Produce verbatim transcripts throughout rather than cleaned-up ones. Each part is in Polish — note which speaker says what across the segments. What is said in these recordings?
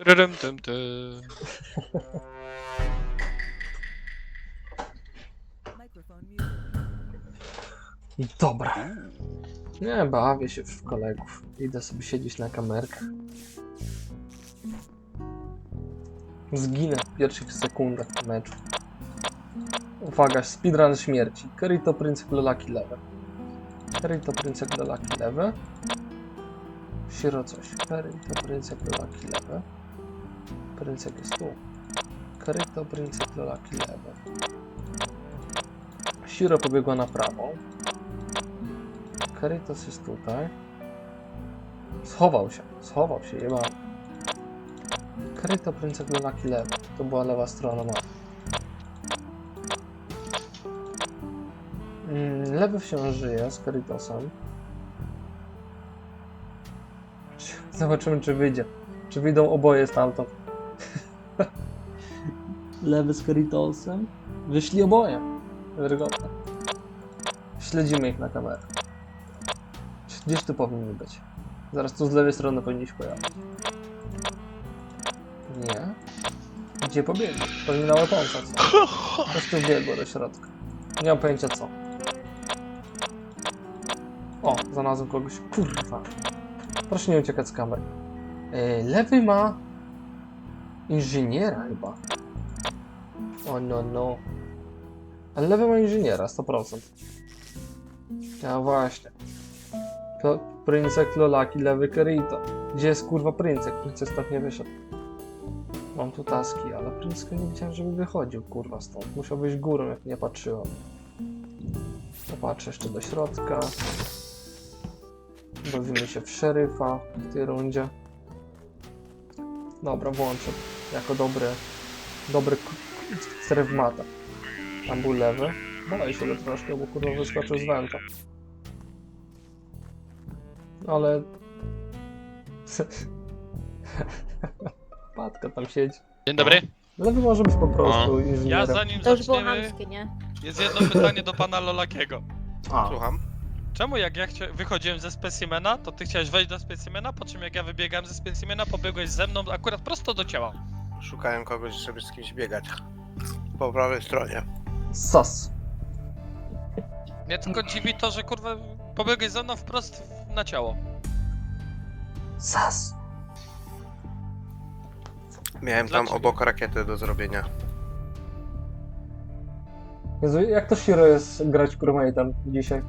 Speaker 1: Ryrym, tym, tym.
Speaker 2: Dobra. Nie, bawię się w kolegów. Idę sobie siedzieć na kamerkach. Zginę w pierwszych sekundach meczu. Uwaga, speedrun śmierci. Kirito Princek Lolaki lewe. Kirito Princek Lolaki lewe. Shiro coś. Kirito Princek Lolaki lewe. Princek jest tu. Kirito Princek Lolaki lewe. Shiro pobiegła na prawą. Karitos jest tutaj. Schował się, schował się, jeba. Kirito Princek Lolaki lewy. To była lewa strona mapy. Mm, lewy wciąż żyje z Karitosem. Zobaczymy, czy wyjdzie. Czy wyjdą oboje stamtąd. Lewy z Karitosem. Wyszli oboje. Wygodne. Śledzimy ich na kamerę. Gdzieś tu powinni być. Zaraz tu z lewej strony powinni się pojawić. Nie. Gdzie pobiegli? Pewnie na łatonce, co? Po prostu biegło do środka. Nie mam pojęcia co. O, znalazłem kogoś. Kurwa. Proszę nie uciekać z kamery. Yy, lewy ma... inżyniera chyba. O no no. Ale lewy ma inżyniera, sto procent. A właśnie. To Princek Lolaki, lewy Kirito. Gdzie jest kurwa Princek? Princek stąd nie wyszedł. Mam tu taski, ale Princka nie widziałem, żeby wychodził kurwa stąd. Musiał być górą, jak nie patrzyłem. Popatrzę jeszcze do środka. Bawimy się w szeryfa w tej rundzie. Dobra, włączę. Jako dobry... Dobry strew mata. Tam był lewy. Boję się go troszkę, bo kurwa wyskoczył z węta. Ale... Patka tam siedzi.
Speaker 1: Dzień dobry.
Speaker 2: Lewy może być po prostu
Speaker 1: Ja
Speaker 2: inżynierem.
Speaker 1: zanim
Speaker 3: To już było
Speaker 1: zaczniemy,
Speaker 3: chamskie, nie?
Speaker 1: jest jedno pytanie do pana Lolakiego.
Speaker 2: A,
Speaker 4: Słucham.
Speaker 1: Czemu jak ja chcia... wychodziłem ze specimena, to ty chciałeś wejść do specimena, po czym jak ja wybiegałem ze specimena, pobiegłeś ze mną akurat prosto do ciała?
Speaker 4: Szukałem kogoś, żeby z kimś biegać. Po prawej stronie.
Speaker 2: sas.
Speaker 1: Mnie tylko dziwi to, że kurwa pobiegłeś ze mną wprost na ciało.
Speaker 2: Sas.
Speaker 4: Miałem tam
Speaker 1: Dlaczego?
Speaker 4: obok rakiety do zrobienia.
Speaker 2: Jezu, jak to Shiro jest grać crewmate'em dzisiaj?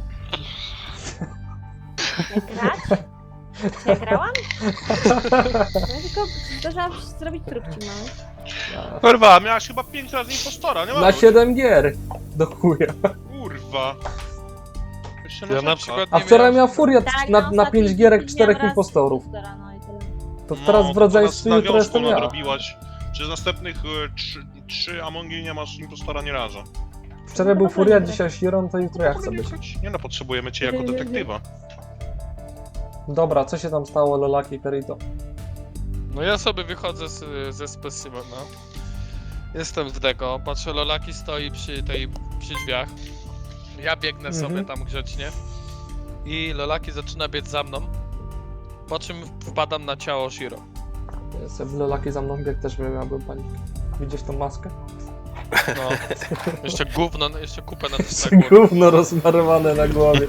Speaker 3: Jak grać? Czy ja grałam? Ja tylko zdążyłam zrobić próbki małe.
Speaker 5: Kurwa, miałaś chyba pięć razy impostora, nie ma?
Speaker 2: Na siedem gier. Do chuja.
Speaker 5: Kurwa. Jeszcze
Speaker 1: Ja na
Speaker 5: narzeka.
Speaker 1: przykład
Speaker 2: A
Speaker 1: nie
Speaker 2: wczoraj
Speaker 1: miałem...
Speaker 2: miał Furiat
Speaker 3: Tak,
Speaker 2: na,
Speaker 3: no,
Speaker 2: na
Speaker 3: ostatni
Speaker 2: pięć gierek
Speaker 3: dzień
Speaker 2: czterech
Speaker 3: miałam raz
Speaker 2: impostorów.
Speaker 3: impostora, no i tyle.
Speaker 2: To teraz w
Speaker 5: to
Speaker 2: rodzeństwie
Speaker 5: teraz
Speaker 2: jutro
Speaker 5: na
Speaker 2: jestem
Speaker 5: wiosnę
Speaker 2: ja.
Speaker 5: nadrobiłaś. Przez następnych e, trzy, trzy Amongi nie masz impostora nie razu.
Speaker 2: Wczoraj był Furiat, dzisiaj Shiro, to jutro ja chcę być.
Speaker 5: Nie no, potrzebujemy cię jako detektywa.
Speaker 2: Dobra, co się tam stało, Lolaki, Kirito?
Speaker 1: No ja sobie wychodzę z, ze specimena. Jestem w deko, patrzę, Lolaki stoi przy tej, przy drzwiach. Ja biegnę
Speaker 2: Mhm.
Speaker 1: sobie tam grzecznie. I Lolaki zaczyna biec za mną. Po czym wpadam na ciało Shiro.
Speaker 2: Ja sobie Lolaki za mną biegł, też miałbym panikę. Widzisz tą maskę?
Speaker 1: No. Jeszcze gówno, no, jeszcze kupę na tym
Speaker 2: Jeszcze
Speaker 1: na głowie.
Speaker 2: gówno rozmarowane na głowie.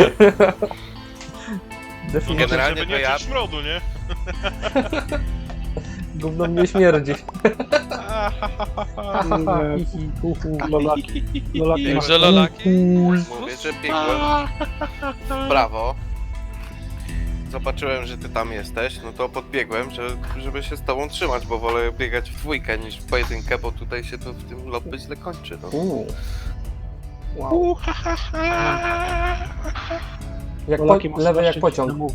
Speaker 2: Definitywnie
Speaker 4: Generalnie
Speaker 5: Żeby
Speaker 4: to
Speaker 5: nie
Speaker 4: ja-
Speaker 5: czuć smrodu, nie?
Speaker 2: gówno mnie śmierdzi.
Speaker 6: Lolaki. Lolaki.
Speaker 1: Także Lolaki.
Speaker 4: Mówię, że biegłem w prawo. Zobaczyłem, że ty tam jesteś, no to podbiegłem, że, żeby się z tobą trzymać, bo wolę biegać w dwójkę niż w pojedynkę, bo tutaj się to w tym lobby źle kończy, no.
Speaker 2: Uuu. Wow. Jak po,
Speaker 6: Lolaki ma
Speaker 2: lewy jak
Speaker 6: strasznie
Speaker 2: pociąg.
Speaker 6: temu.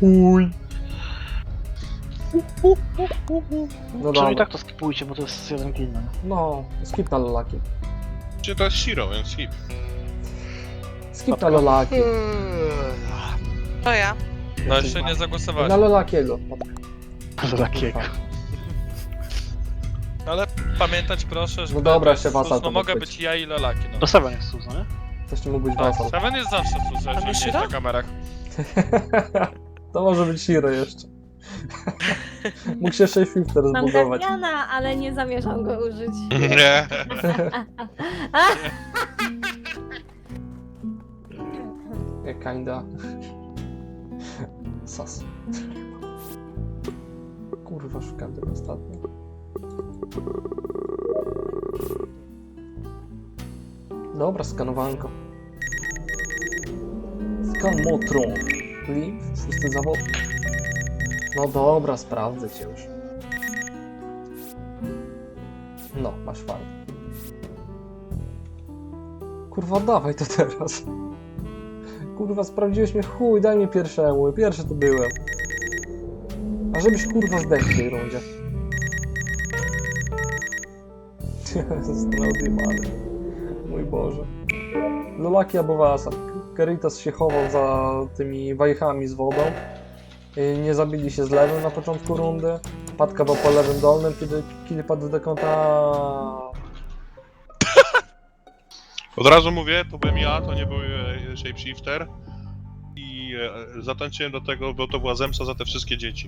Speaker 2: No
Speaker 6: Przynajmniej
Speaker 2: dobra.
Speaker 6: tak to skipujcie, bo to jest jeden kill. no.
Speaker 2: No, skip na Lolaki.
Speaker 5: Czy to jest Shiro, więc skip.
Speaker 2: Skip na Lolaki.
Speaker 3: To ja.
Speaker 1: No jeszcze nie zagłosowałeś.
Speaker 2: Na Lolakiego.
Speaker 6: Lolakiego.
Speaker 1: Ale pamiętać proszę, że
Speaker 2: No dobra,
Speaker 1: to jest
Speaker 2: się wasal
Speaker 1: sus,
Speaker 2: to
Speaker 1: no mogę
Speaker 2: być.
Speaker 1: być ja i Lolaki, no.
Speaker 6: To Seven jest Suza, nie?
Speaker 2: Też nie mógł być
Speaker 1: Tak,
Speaker 2: wasal.
Speaker 1: Seven jest zawsze sus, jeżeli nie jest
Speaker 3: Shiro?
Speaker 1: na kamerach.
Speaker 2: To może być Shiro jeszcze. Mógł się shapeshifter
Speaker 3: Mam
Speaker 2: zbudować.
Speaker 3: Guardiana, ale nie zamierzam go użyć.
Speaker 5: Nie.
Speaker 2: Nie, kinda. Sas. Kurwa, szukam tego ostatnio. Dobra, skanowanko. Skan Motron. Liv, szósty zawód. No dobra, sprawdzę cię już. No, masz fajnie. Kurwa, dawaj to teraz. Kurwa, sprawdziłeś mnie, chuj, daj mi pierwszemu, pierwszy to byłem. A żebyś kurwa zdechł w tej rundzie. Został odjebany. Mój Boże. Lolaki albo Wasa. Karitas się chował za tymi wajchami z wodą. I nie zabili się z lewym na początku rundy. Patka był po lewym dolnym, kiedy kill padł w dekonta.
Speaker 5: Od razu mówię, to byłem ja, to nie był e, shapeshifter. I e, zatańczyłem do tego, bo to była zemsta za te wszystkie dzieci.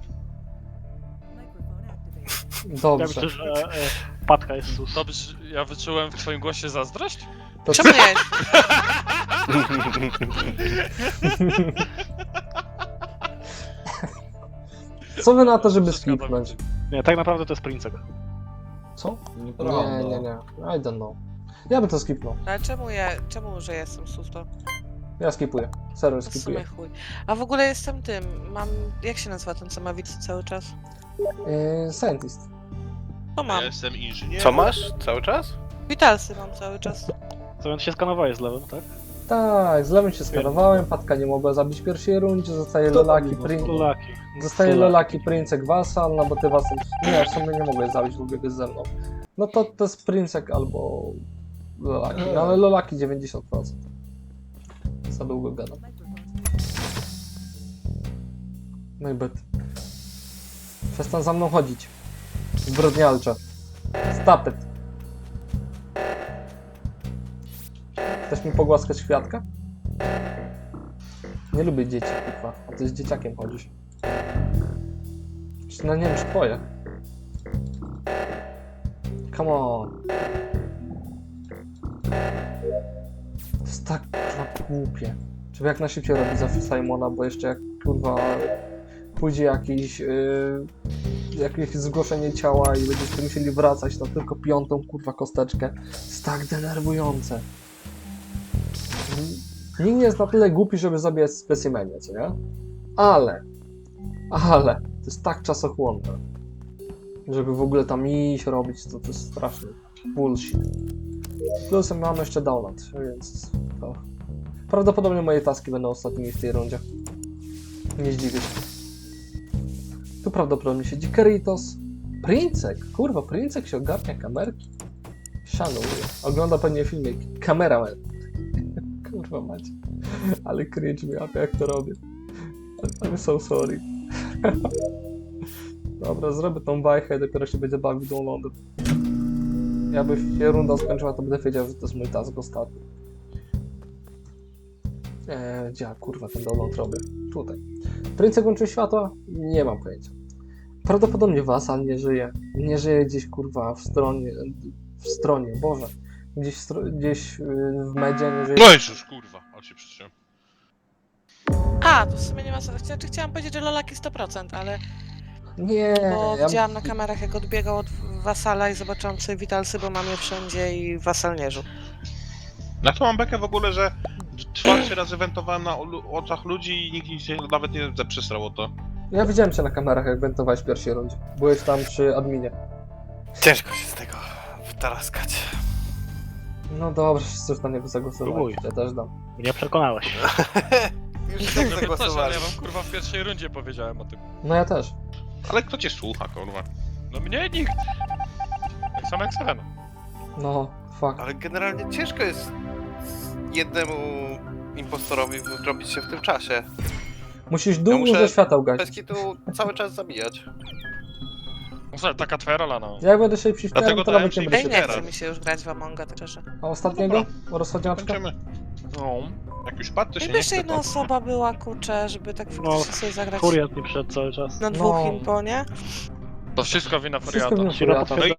Speaker 6: Ja
Speaker 2: Dobrze.
Speaker 6: myślę, że e, Patka jest sus.
Speaker 1: Dobrze, ja wyczułem w twoim głosie zazdrość?
Speaker 2: To
Speaker 3: Czemu nie?
Speaker 2: Co wy na to, żeby
Speaker 1: Wszystko
Speaker 2: skipnąć?
Speaker 1: dobrze.
Speaker 6: Nie, tak naprawdę to jest Princek.
Speaker 2: Co?
Speaker 7: Nieprawda.
Speaker 2: Nie, nie, nie. I don't know. Ja bym to skipnął.
Speaker 8: Ale czemu ja, czemu, że jestem susto?
Speaker 2: Ja skipuję. Serio
Speaker 8: W sumie
Speaker 2: skipuję.
Speaker 8: chuj. A w ogóle jestem tym, mam, jak się nazywa ten, co ma wicy cały czas?
Speaker 2: Yy, scientist.
Speaker 8: To mam.
Speaker 5: Ja jestem inżynierem.
Speaker 4: Co masz cały czas?
Speaker 8: Witalsy mam cały czas.
Speaker 6: Co więc się skanowałeś z lewym, tak?
Speaker 2: Tak, z lewym się skanowałem, Patka nie mogła zabić w pierwszej rundzie, zostaje
Speaker 7: Kto
Speaker 2: Lolaki,
Speaker 7: tam
Speaker 2: Prin...
Speaker 6: Lolaki.
Speaker 2: zostaje
Speaker 6: Lolaki.
Speaker 2: Lolaki, Princek, Wasal, no bo ty Wasal... Nie, w sumie nie mogłeś zabić, bo biegłeś ze mną. No to to jest Princek albo Lolaki, no, ale Lolaki dziewięćdziesiąt procent. Za długo gadam. No i byt. Przestań za mną chodzić. Zbrodnialcze. Stop it. Chcesz mi pogłaskać kwiatka? Nie lubię dzieci, kurwa. A ty z dzieciakiem chodzisz. Czy no nie wiem, czy twoje. Come on. To jest tak kurwa głupie. Trzeba jak najszybciej robić za Simona, bo jeszcze jak kurwa pójdzie jakiś yy, jakieś zgłoszenie ciała i będziecie musieli wracać na tylko piątą kurwa kosteczkę. To jest tak denerwujące. Nikt nie jest na tyle głupi, żeby zabijać specimenie, co nie? Ale, ale, to jest tak czasochłonne, żeby w ogóle tam iść, robić, to, to jest straszny bullshit. Plusem mamy jeszcze download, więc to... Prawdopodobnie moje taski będą ostatnimi w tej rundzie. Nie zdziwię się. Tu prawdopodobnie siedzi Karitos. Princek, kurwa, Princek się ogarnia kamerki. Szanuję. Ogląda pewnie filmik. Kameraman. Kurwa macie. Ale cringe mi, a jak to robię. I'm so sorry. Dobra, zrobię tą bajkę i dopiero się będzie bawił downloadem. Jakby się runda skończyła, to będę wiedział, że to jest mój task ostatni. Eee, gdzie ja, kurwa ten download robię? Tutaj. Princek włączył światła? Nie mam pojęcia. Prawdopodobnie Wasal nie żyje. Nie żyje gdzieś kurwa w stronie. W stronie, Boże. Gdzieś, w stro- gdzieś yy, w medzie nie żyje.
Speaker 5: No i już, kurwa, ale się przytrzymam.
Speaker 8: A, to w sumie nie ma sensu. Znaczy, chciałam powiedzieć, że Lolaki sto procent, ale
Speaker 2: Nie,
Speaker 8: bo
Speaker 2: ja...
Speaker 8: widziałam na kamerach, jak odbiegał od Wasala i zobaczyłam sobie Witalsy, bo mam je wszędzie i Wasal nie żył.
Speaker 5: Na to mam bekę w ogóle, że czwarty raz eventowałem na olu- oczach ludzi i nikt się nawet nie przesrał o to.
Speaker 2: ja widziałem cię na kamerach, jak wentowałeś w pierwszej rundzie. Byłeś tam przy adminie.
Speaker 4: Ciężko się z tego wytaraskać.
Speaker 2: No dobrze, wszyscy już na niego zagłosowali.
Speaker 6: Próbuj.
Speaker 2: Ja też dam.
Speaker 6: Mnie przekonałeś.
Speaker 4: Już tak
Speaker 1: Dobrze, też, ale
Speaker 4: zagłosowali.
Speaker 1: ja wam kurwa w pierwszej rundzie powiedziałem o tym.
Speaker 2: No ja też.
Speaker 5: Ale kto cię słucha, kurwa?
Speaker 1: No mnie nikt. Tak samo jak Serena.
Speaker 2: No, fuck.
Speaker 4: Ale generalnie ciężko jest jednemu impostorowi zrobić się w tym czasie.
Speaker 2: Musisz dużo
Speaker 4: muszę-
Speaker 2: świateł
Speaker 4: Bez
Speaker 2: gasić.
Speaker 4: kitu cały czas zabijać.
Speaker 1: No słuchaj, taka twoja rola, no.
Speaker 2: Jak będę się shifterem,
Speaker 5: Dlatego
Speaker 2: to
Speaker 5: dałem
Speaker 2: nawet nie
Speaker 5: ci
Speaker 2: będę
Speaker 8: Ej,
Speaker 2: się...
Speaker 8: nie
Speaker 5: teraz.
Speaker 8: chce mi się już grać w Amonga, tak szczerze.
Speaker 2: A ostatniego? Rozchodniaczka?
Speaker 5: Kończymy.
Speaker 1: No.
Speaker 5: Jak już padł, to się
Speaker 8: Jakby
Speaker 5: nie
Speaker 8: jeszcze
Speaker 5: chce,
Speaker 8: jedna
Speaker 5: to...
Speaker 8: osoba była, kurczę, żeby tak
Speaker 6: No,
Speaker 8: faktycznie sobie zagrać
Speaker 6: Furiat nie przyszedł cały czas.
Speaker 8: na dwóch
Speaker 2: No.
Speaker 8: impo, nie?
Speaker 1: To wszystko wina
Speaker 2: Wszystko
Speaker 1: Furiata.
Speaker 2: wina
Speaker 6: Siro
Speaker 2: Furiata.
Speaker 6: potwierdza.